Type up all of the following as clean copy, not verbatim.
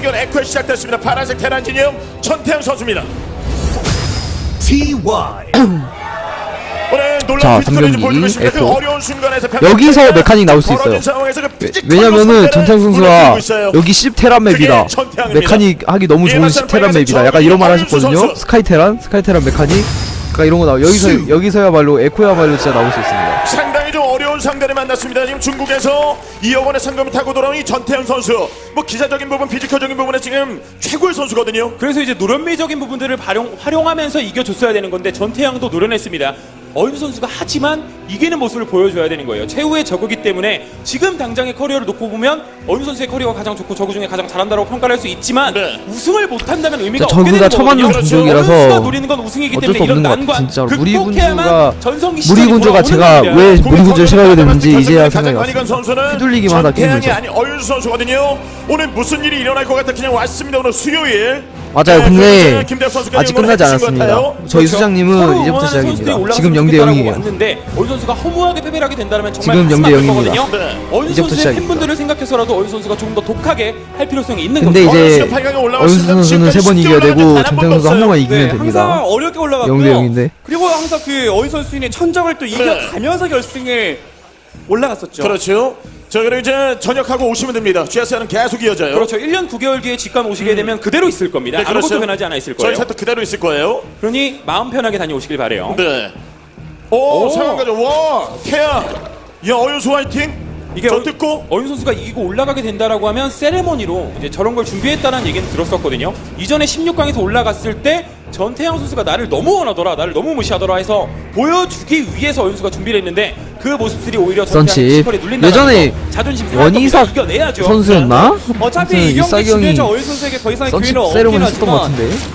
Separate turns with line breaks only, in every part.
공격 에코에 시작됐습니다. 파란색 테란 진영 전태양 선수입니다. 오늘 놀라운 피지컬을 보여주고 있습니다. 그 어려운 순간에서
여기서 메카닉 나올 수 있어요. 왜냐면은 전태양 선수가 여기 10테란 맵이다, 메카닉 하기 너무 좋은 10테란 맵이다, 약간 이런 말 하셨거든요. 스카이테란 메카닉 그러니까 이런 거 나와. 여기서야말로 에코야말로 진짜 나올 수 있습니다.
상당히 좀 어려운 상대를 만났습니다. 지금 중국에서 2억 원의 상금을 타고 돌아온 이 전태양 선수, 뭐 기사적인 부분, 피지컬적인 부분에 지금 최고의 선수거든요.
그래서 이제 노련미적인 부분들을 활용하면서 이겨줬어야 되는 건데 전태양도 노련했습니다. 어윤수 선수가 하지만 이기는 모습을 보여줘야 되는 거예요. 최후의 저그기 때문에 지금 당장의 커리어를 놓고 보면 어윤수 선수의 커리어가 가장 좋고 저그 중에 가장 잘한다고 평가를 할 수 있지만 우승을 못한다면 의미가 없게 되는 거거든요. 어윤수가 노리는 건 우승이기 때문에 이런 난관 극복해야만
무리군주가 제가 왜 무리군주를 싫어하게 됐는지 이제야 생각이 왔어요. 휘둘리기만 하다
전태양이 아니 어윤수 선수거든요. 오늘 무슨 일이 일어날 것 같아 그냥 왔습니다. 오늘 수요일.
맞아요. 근데 아직 끝나지 않았습니다. 저희 수장님은 이제부터 시작입니다. 지금 0대0이에요.
왔는데 어윤 선수가 허무하게 패배를 하게 된다면 정말
지금 0대0입니다.
어윤 선수의 팬분들을 생각해서라도 어윤 선수가 조금 더 독하게 할 필요성이 있는
근데
거죠.
이제 어윤수 선수는 3번 이겨야 되고 전태양 선수 한 번만 이기면 됩니다.
항상 어렵게 올라갔고요.
0대0인데
그리고 항상 그 어윤 선수의 천적을 또 이겨가면서 결승에 올라갔었죠.
그렇죠. 자, 그리고 이제 전역하고 오시면 됩니다. GS는 계속 이어져요.
그렇죠. 1년 9개월 뒤에 직관 오시게 되면 그대로 있을 겁니다.
네, 그렇죠.
아무것도 변하지 않아 있을 거예요.
저희 세트 그대로 있을 거예요.
그러니 마음 편하게 다녀오시길 바래요.
네. 오, 상황가죠. 와, 태양. 야, 어윤수 화이팅.
이게
저 듣고
어윤 선수가 이기고 올라가게 된다라고 하면 세레머니로 이제 저런 걸 준비했다는 얘기는 들었었거든요. 이전에 16강에서 올라갔을 때 전태양 선수가 나를 너무 원하더라, 나를 너무 무시하더라 해서 보여주기 위해서 어윤 선수가 준비를 했는데 그 모습들이 오히려 전태양 피지컬에 눌린다.
예전에
자존심
원희삭
이겨내야죠.
선수였나?
어차피 이 경기 중에서 어윤 선수에게 더 이상의 기회는 없긴 하지만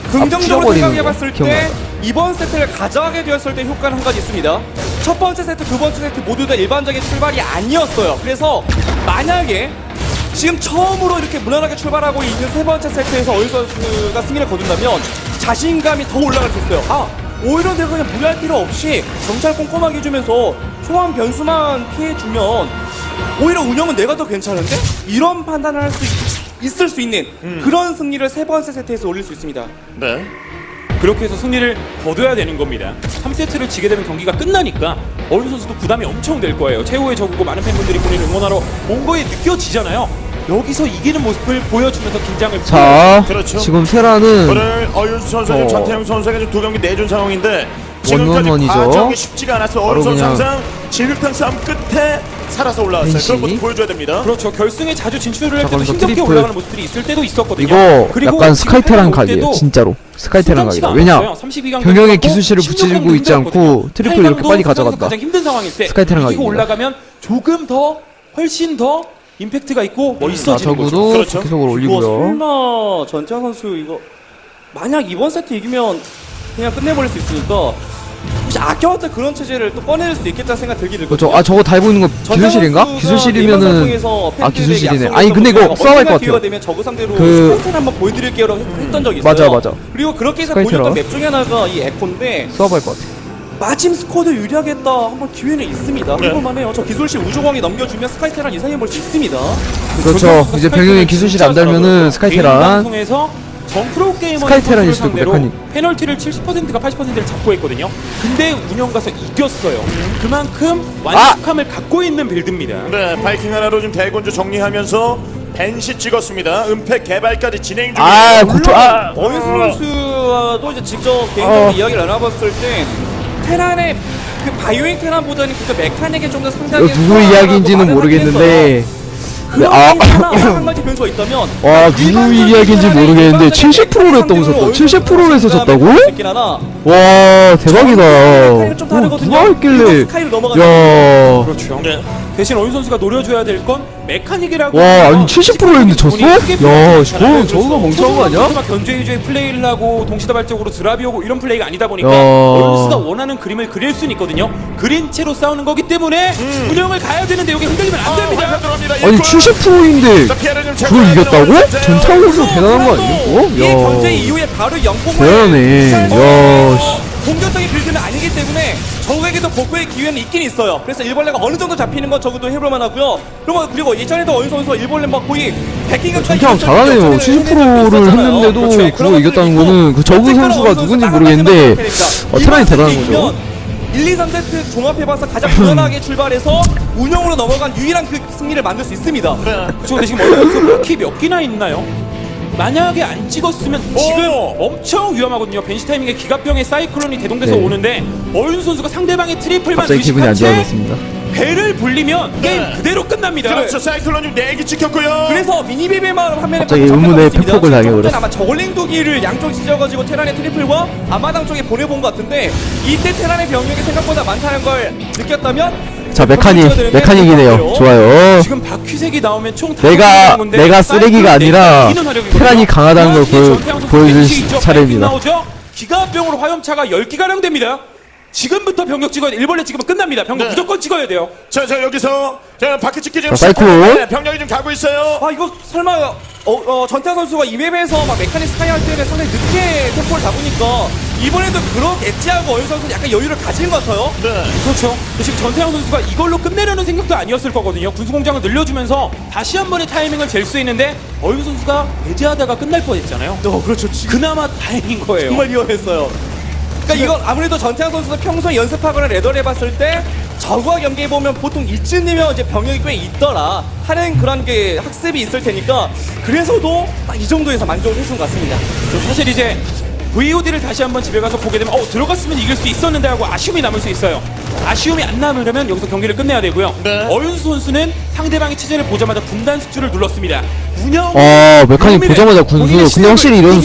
긍정적으로 생각해봤을 때 이번 세트를 가져가게 되었을 때 효과는 한 가지 있습니다. 첫 번째 세트, 두 번째 세트 모두 다 일반적인 출발이 아니었어요. 그래서 만약에 지금 처음으로 이렇게 무난하게 출발하고 있는 세 번째 세트에서 어윤 선수가 승리를 거둔다면 자신감이 더 올라갈 수 있어요. 오히려 내가 그냥 무리할 필요 없이 정찰 꼼꼼하게 해주면서 소환 변수만 피해주면 오히려 운영은 내가 더 괜찮은데? 이런 판단을 할 수 있을 수 있는 그런 승리를 세 번째 세트에서 올릴 수 있습니다.
네.
그렇게 해서 승리를 거둬야 되는 겁니다. 3세트를 지게 되면 경기가 끝나니까 어윤 선수도 부담이 엄청 될 거예요. 최후의 저그고 많은 팬분들이 본인을 응원하러 온 거에 느껴지잖아요. 여기서 이기는 모습을 보여주면서 긴장을
자,
그렇죠.
지금 테라는
오늘 어윤수 선수와 전태양 선수가 지금 두 경기 내준 상황인데 지금까지
원원원이죠.
과정이 쉽지가 않았어요. 어윤수 선수
그냥
항상 진흙탕 싸움 끝에 살아서 올라왔어요. 그런 모습 보여줘야 됩니다.
그렇죠. 결승에 자주 진출을 할 때도
그래서
힘겹게
트리플.
올라가는 모습들이 있을 때도 있었거든요.
이거
그리고
약간
지금
스카이테란
올
각이에요.
때도
진짜로 스카이테란 각이다.
부담치가
왜냐
않았어요. 32강
병영의
경기가
기술실을
16강도
붙이고 있지 않고
힘들었거든요.
트리플 이렇게 빨리
8강도
가져갔다.
가장 힘든 상황일 때
스카이테란
이기고
각입니다.
올라가면 조금 더 훨씬 더 임팩트가 있고 멋있어지는 거죠.
저구도
그렇죠.
계속으로
이거
올리고요.
설마 전태양 선수 이거 만약 이번 세트 이기면 그냥 끝내버릴 수 있으니까 혹시 아껴왔던 그런 체제를 또 꺼낼 수 있겠다는 생각 들긴 들거든요.
그렇죠. 저거 달고 있는 거 기술실인가? 기술실이면은 기술실이네. 아니 근데 이거 싸워야 할 것 같아요.
되면 저그 상대로
그-
스카이테를 한번 보여드릴게요라고 했던 적이 있어요.
맞아.
그리고 그렇게 해서
스카이테라.
보여줬던 맵 중에 하나가 이 에코인데
싸워야 할 것 같아.
마침 스쿼드 유리하겠다 한번 기회는 있습니다. 해볼만 해요. 저 기술실 우주광이 넘겨주면 스카이테란 이상해볼 수 있습니다.
그렇죠. 이제 병영의 기술실이 안 달면은 스카이테란
방송에서 전 프로게이머
스카이테란일 수도 있고,
상대로
메카닉.
페널티를 70%가 80%를 잡고 했거든요. 근데 운영 가서 이겼어요. 그만큼 완벽함을 갖고 있는 빌드입니다.
네, 바이킹 하나로 지금 대군주 정리하면서 벤시 찍었습니다. 은폐 개발까지 진행 중이에요.
어윤수 선수와도 이제 직접 개인적으로 이야기를 나눠봤을 때 테란의 그 바이오잉 테란보다는 그 메카닉에 좀 더 상당히
이거 누구 이야기인지는 모르겠는데
네, 한 가지 변수가 있다면
와 누구 이야기인지 모르겠는데 70%를 했다고 졌다. 70%를 해서 졌다고? 와 대박이다. 누가 했길래 야
그렇죠.
네.
대신 어윤 선수가 노려줘야 될 건 메카닉이라고.
와 아니 70% 했는데 졌어? 야 저거가 멍청한 거 아니야?
선수가 견제 위주의 플레이를 하고 동시다발적으로 드랍이 오고 이런 플레이가 아니다 보니까
야.
어윤 선수가 원하는 그림을 그릴 수는 있거든요. 그린 채로 싸우는 거기 때문에 운영을 가야 되는데 여기 흔들리면 안 됩니다.
아니 70%인데 그걸 이겼다고? 전창훈 선수 대단한 거 아니야?
이 견제 이후에 바로 영공을
대단해. 야 씨.
공격적인 빌드는 아니기 때문에 적에게도 복구의 기회는 있긴 있어요. 그래서 일벌레가 어느 정도 잡히는 건 적어도 해볼만 하고요. 그리고 예전에도 어윤 선수가 일벌레 막 거의 100기가
전태양 잘하네요. 70%를 했는데도 그거 이겼다는 거는 그 저그 선수가 누군지 모르겠는데 테란이 대단한 거죠.
1, 2, 3세트 종합해봐서 가장 무난하게 출발해서 운영으로 넘어간 유일한 그 승리를 만들 수 있습니다.
그렇죠. 근데 지금 어윤 선수 바퀴 몇 개나 있나요? 만약에 안 찍었으면 지금 엄청 위험하거든요. 벤시 타이밍에 기갑병의 사이클론이 대동돼서
네.
오는데 어윤 선수가 상대방의 트리플만
갑자기 기분이 안 좋아졌습니다.
배를 불리면 게임 그대로 끝납니다.
그렇죠. 사이클론님 4개 찍혔고요.
그래서 미니비비만 화면에
갑자기 의문의 팩폭을 당해버렸어.
아마 저글링 두기를 양쪽 찢어가지고 테란의 트리플과 앞마당 쪽에 보내본 것 같은데 이때 테란의 병력이 생각보다 많다는 걸 느꼈다면
자 메카닉이네요. 좋아요.
지금 바퀴색이 나오면 총
내가 쓰레기가 아니라 테란이 강하다는 걸 보여줄 차례입니다.
기가병으로 화염차가 10기가량 됩니다. 지금부터 병력 찍어야 돼. 일벌레 찍으면 끝납니다. 병력 무조건 찍어야 돼요.
자 여기서 자 바퀴 찍기 지금
사이클론.
병력이 좀 가고 있어요.
아 이거 설마 전태환 선수가 이 맵에서 막 메카닉 스카이 할 때는 상당히 늦게 템포를 잡으니까 이번에도 그러겠지 하고 어윤 선수는 약간 여유를 가진 것 같아요.
네.
그렇죠. 지금 전태양 선수가 이걸로 끝내려는 생각도 아니었을 거거든요. 군수공장을 늘려주면서 다시 한 번의 타이밍을 잴 수 있는데 어윤 선수가 배제하다가 끝날 뻔했잖아요.
그렇죠.
그나마 다행인 거예요.
정말 위험했어요. 그러니까 이건 아무래도 전태양 선수가 평소에 연습하거나 레더를 해봤을 때 저그와 경기해보면 보통 이쯤이면 이제 병력이 꽤 있더라 하는 그런 게 학습이 있을 테니까 그래서도 딱 이 정도에서 만족을 해준 것 같습니다.
사실 이제 VOD를 다시 한번 집에 가서 보게 되면 들어갔으면 이길 수 있었는데 하고 아쉬움이 남을 수 있어요. 아쉬움이 안 남으려면 여기서 경기를 끝내야 되고요.
네.
어윤수 선수는 상대방의 체제를 보자마자 분단 수출을 눌렀습니다. 운영
메카닉 보자마자 군수. 근데 확실히 이런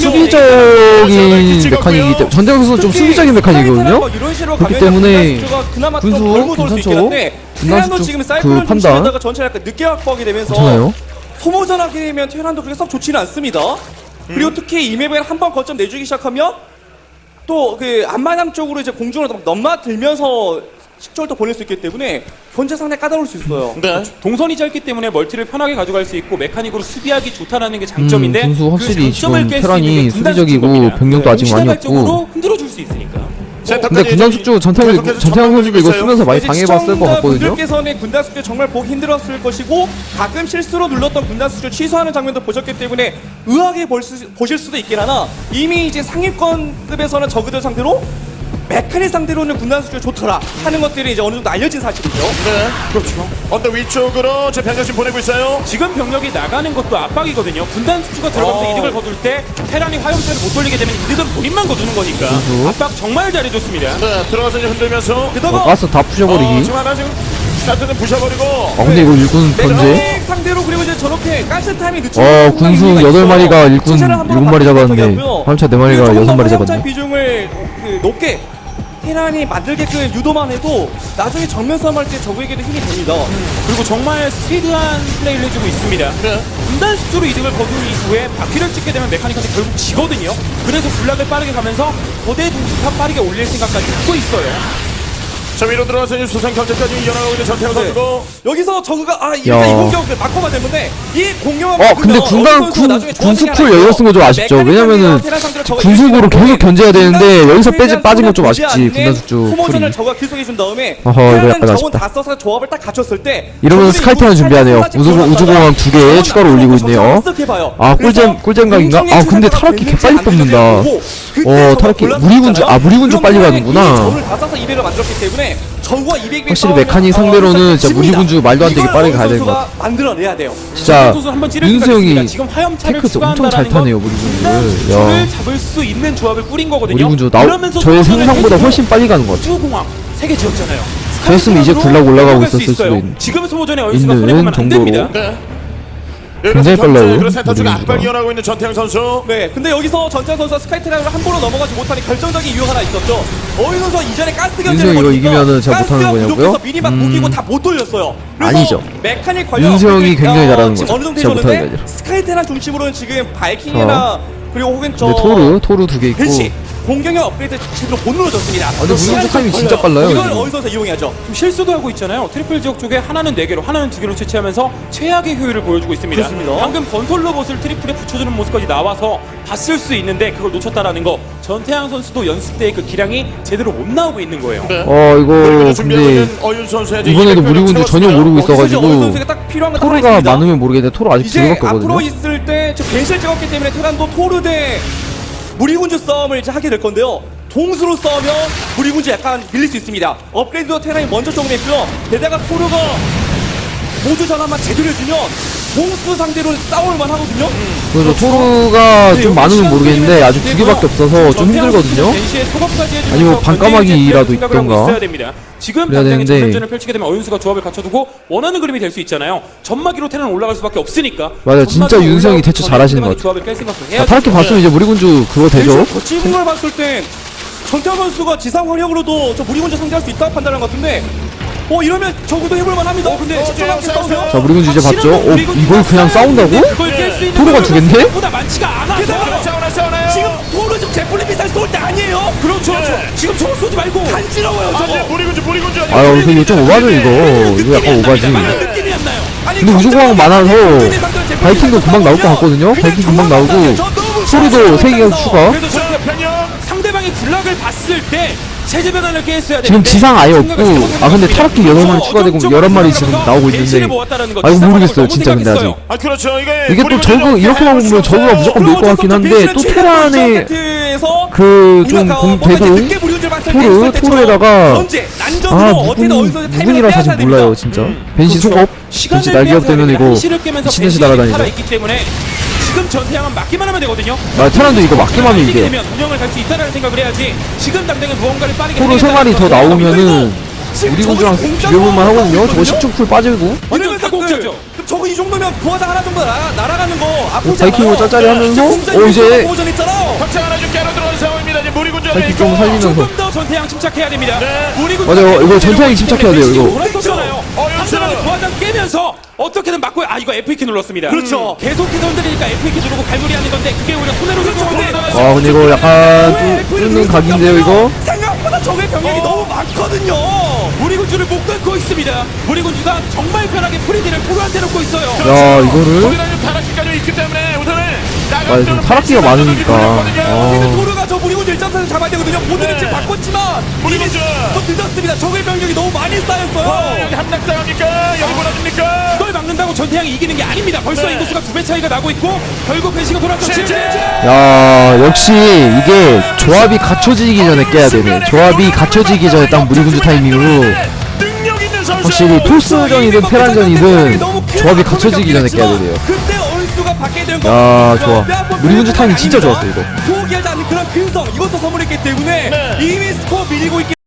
수비적인 메카닉이기 때문에 전태양 선수는 좀 수비적인 메카닉이거든요. 그렇기 때문에 군수 괜찮죠? 분단 수축 그 판단
전체 약간 늦게 확보하게 되면서
괜찮아요.
소모전하게 되면 테란도 그렇게 썩 좋지는 않습니다. 그리고 특히 이 맵에 한 번 거점 내주기 시작하면 또 그 앞마당 쪽으로 이제 공중으로 막 넘나들면서 식절도 보낼 수 있기 때문에 현재 상당히 까다로울 수 있어요.
네.
동선이 짧기 때문에 멀티를 편하게 가져갈 수 있고 메카닉으로 수비하기 좋다라는 게 장점인데
군수 확실히
그 장점을
지금
깰수
테란이
있는 게 분단
수비적이고
수축입니다.
병력도 아직 많이
시대발적으로
없고.
흔들어줄 수 있으니까.
근데 군단 숙주 전태양 선수도 이거 쓰면서 많이 당해봤을 것 같거든요.
분들께서는 군단 숙주 정말 보기 힘들었을 것이고 가끔 실수로 눌렀던 군단 숙주 취소하는 장면도 보셨기 때문에 의아하게 보실 수도 있긴 하나 이미 이제 상위권급에서는 저그들 상대로 메카닉 상대로는 군단 숙주 좋더라 하는 것들이 이제 어느 정도 알려진 사실이죠.
네. 그렇죠. 언더 위쪽으로 제 병력 지금 보내고 있어요.
지금 병력이 나가는 것도 압박이거든요. 분단 수주가 들어가면서 이득을 거둘 때 테란이 화염차를 못 돌리게 되면 이득은 본인만 거두는 거니까 압박 정말 잘해줬습니다.
네. 들어가서 이제 흔들면서.
게다가
가스 다 부셔버리기.
지금 하나 지금 스타트는 부셔버리고.
근데 이거 일꾼 번제.
메카닉 상대로 그리고 이제 저렇게 가스 타임이 늦추고
군수 8마리가 일꾼 7마리 잡았는데 화염차 4마리가 6마리 잡았네.
비중을 높게 테란이 만들게끔 유도만 해도 나중에 정면 싸움할 때 적에게도 힘이 됩니다.
그리고 정말 스피드한 플레이를 해주고 있습니다.
네.
분단 수주로 이득을 거둔 이후에 바퀴를 찍게 되면 메카닉한테 결국 지거든요. 그래서 블락을 빠르게 가면서 거대 동시탑 빠르게 올릴 생각까지 하고 있어요.
자 위로 들어가서 이제 수상 경제까지 이어나가고 있는 전태양 선수고.
여기서 저그가 일단 이 공격을 막고만 되는데 이 공격을
근데 군수풀 여기서 쓴 거 좀 아쉽죠. 왜냐면은 군수구로 계속 견제해야 되는데 여기서 빠진 건 좀 아쉽지. 군단숙주
소모전을
풀이.
저가 계속해 준 다음에
이거 약간
자원
아쉽다.
다 써서 조합을 딱 갖췄을 때
이러면 스카이테란 준비하네요. 우주공항 2개 추가로 올리고 있네요. 꿀잼각인가? 근데 타락기 개빨리 뽑는다. 타락기 무리군주 빨리 가는구나.
점을 다 써서 200을 만들었기 때문에 저우와 200이
확실히 메카닉 상대로는 진짜 무리군주 말도 안 되게 빠르게 가야 되는 것 같아.
만들어내야 돼요.
진짜
선수 한번 찌를
윤수
생각이
형이
있습니다. 지금 화염차를
탱크 엄청 잘
추가한다라는
타네요,
건
무리군주를.
분단수를 잡을 수 있는 조합을 꾸린 거거든요.
무리군주
그러면서
저의
소모전을
생각보다
해주고
훨씬 빨리 가는 것 같아.
우주공항 3개 지었잖아요.
저였으면 이제 굴락 올라가고 있었을 수도
있어요.
있는.
지금 소모전에 어윤수가
있는
손해보면 안
정도로.
됩니다.
네.
굉장히 빨라요,
그런 센터 쪽에
무리군주가.
압박 이어나고 있는 전태양 선수.
네, 근데 여기서 전태환 선수가 스카이테란으로 한 번로 넘어가지 못하는 결정적인 이유 하나 있었죠. 어윤 선수가 이전에 가스 견제를
윤수 형이 이거
보니까
이기면은 제가 못하는
가스가
거냐고요?
부족해서 미니막 무기고 다 못 돌렸어요. 그래서
아니죠.
메카닉 관련
윤수 형이
업그레이드,
굉장히 잘하는
지금
거죠.
어느 정도
제가 못하는 게
해줬는데
아니라.
스카이테란 중심으로는 지금 바이킹이나 그리고 혹은 저
근데 토르 2개 있고
벤시 공격력 업그레이드 제대로 못 눌러줬습니다.
근데 무리군주 타이밍 진짜 빨라요,
이걸
이거.
어윤 선수 이용해야죠.
좀 실수도 하고 있잖아요. 트리플 지역 쪽에 하나는 4개로 하나는 2개로 채취하면서 최악의 효율을 보여주고 있습니다.
그렇습니다.
방금 건설 로봇을 트리플에 붙여주는 모습까지 나와서 봤을 수 있는데 그걸 놓쳤다라는 거. 전태양 선수도 연습 때의 그 기량이 제대로 못 나오고 있는 거예요.
네.
이거
준비하고
근데
있는 어윤 선수의 이제
이번에도
200
무리군주 전혀
채웠습니다.
모르고
어윤
있어가지고
선수가 딱 필요한 거
토르가
있습니다.
많으면 모르겠는데 토르 아직
이제
2개밖에
앞으로
없거든요.
있을 때 벤시를 찍었기 때문에 테란도 토르 대 무리군주 싸움을 이제 하게 될 건데요. 동수로 싸우면 무리군주 약간 밀릴 수 있습니다. 업그레이드도 테란이 먼저 적응했고요. 게다가 토르가 모두 전환만 제대로 해주면 동수 상대로 싸울만 하거든요.
그래서 토르가
네,
좀 많으면 모르겠는데 아직 2개밖에 없어서 좀 힘들거든요. 아니면 반까마귀라도 있던가.
지금
그래야
당장에
되는데.
전면전을 펼치게 되면 어윤수가 조합을 갖춰두고 원하는 그림이 될 수 있잖아요. 전마기로 테란 올라갈 수밖에 없으니까.
맞아요. 진짜
전마기로
윤성이
올라가고
대처 잘하시는 것
조합을 깰 생각도
아,
해야죠.
타락기 봤으면 이제 무리군주 그거 되죠.
더 찍은 걸 봤을 때 전태환 선수가 지상 활력으로도 저 무리군주 상대할 수 있다 판단한 것 같은데 이러면 적어도 해볼만 합니다. 근데 집중하게 싸우면
자 무리군주 이제 봤죠. 이걸 그냥 싸운다고? 토르가 2개인데?
보다 많지가 않아서.
싸우나요?
지금 토르 지금 제플린 미사일 쏠 때 아니에요.
그렇죠.
지금 저거 쏘지 말고 간지러워요. 저거.
무리군주 아니고.
아유 이거 좀 오바죠 이거 약간 오바지.
느낌이 안 나요.
근데 우주공항 많아서 바이킹도 금방 나올 것 같거든요. 바이킹 금방 나오고 토르도 3개가 추가.
그래도 저희가 상대방이 군락을 봤을 때 체제 변환을 깨했어야
지금
되는데
지상 아예 없고
생각을 잘못한
아 근데
거죠.
타락기 8마리 추가되고 11마리 지금 나오고 있는데 아 이거 모르겠어요 진짜 근데 아직
아 그렇죠.
이게 또 저그 이렇게만 보면 저그가 무조건 밀 것 같긴 한데 또 테란의 그 좀 대공 토르에다가 아 무군이라 사실 몰라요 진짜 벤시 속업 벤시 날개업 되면 이거 미친듯이 날아다니죠
있기 때문에 지금 전태양은 맞기만 하면 되거든요.
아 테란도 이거 맞기만 하면 이겨
되면 운영을 갈 수 있다는 생각을 해야지. 지금 당장에 무언가를 빠르게
토르 3마리 더 나오면은 우리군주랑 비교볼만 하거든요 저거 10중 빠지고
완전 다공짜죠.
저거 이 정도면 부하장 하나 정도 날아가는 거
바이킹으로 짤짤이 하면서 이제
확장 하나 좀 깨러 들어온 상황입니다. 이제 무리군주
바이킹 좀 살리면서
조금 더 전태양 침착해야 됩니다.
맞아요 이거 전태양이 침착해야 돼요 이거
돌았었잖아요. 상대방이 부하장 깨면서 어떻게든 막고 이거 F2키 눌렀습니다.
그렇죠.
계속해서 흔들리니까 F2키 누르고 갈무리 하는 건데 그게 오히려 손해로 들고
아 근데 이거 약간 뚫는 각인데요 이거
생각보다 적의 병력이 너무 많거든요.
무리군주를 못 끊고 있습니다. 무리군주가 정말 편하게 프리디를 토르한테 놓고 있어요.
야 이거를
거기다 타락기까지 있기 때문에 우선은
아 지금 타락기가 많으니까
근데 토르가 저 무리군주 1.4를 잡아야 되거든요. 모든 위치 바꿨지만
무리군주
더 늦었습니다. 적의 병력이 너무 많이 쌓였어요.
여기 함락당합니까? 여기 몰아줍니까?
이걸 막는다고 전태양이 이기는 게 아닙니다. 벌써 인구수가 2배 차이가 나고 있고 결국 벤시가 돌아왔죠.
야 역시 이게 조합이 갖춰지기 전에 깨야 되네 조합이 갖춰지기 전에 딱 무리군주 타이밍으로
능력 있는 선수.
확실히 토스전이든 테란전이든 조합이 갖춰지기 전에 깨야 되네요
그때 얼수가 받게 되는 거.
야 좋아 무리군주 타이밍 진짜 좋았어 이거
포기하지 않는 그런 근성 이것도 선물했기 때문에 이미 스코어 밀리고 있기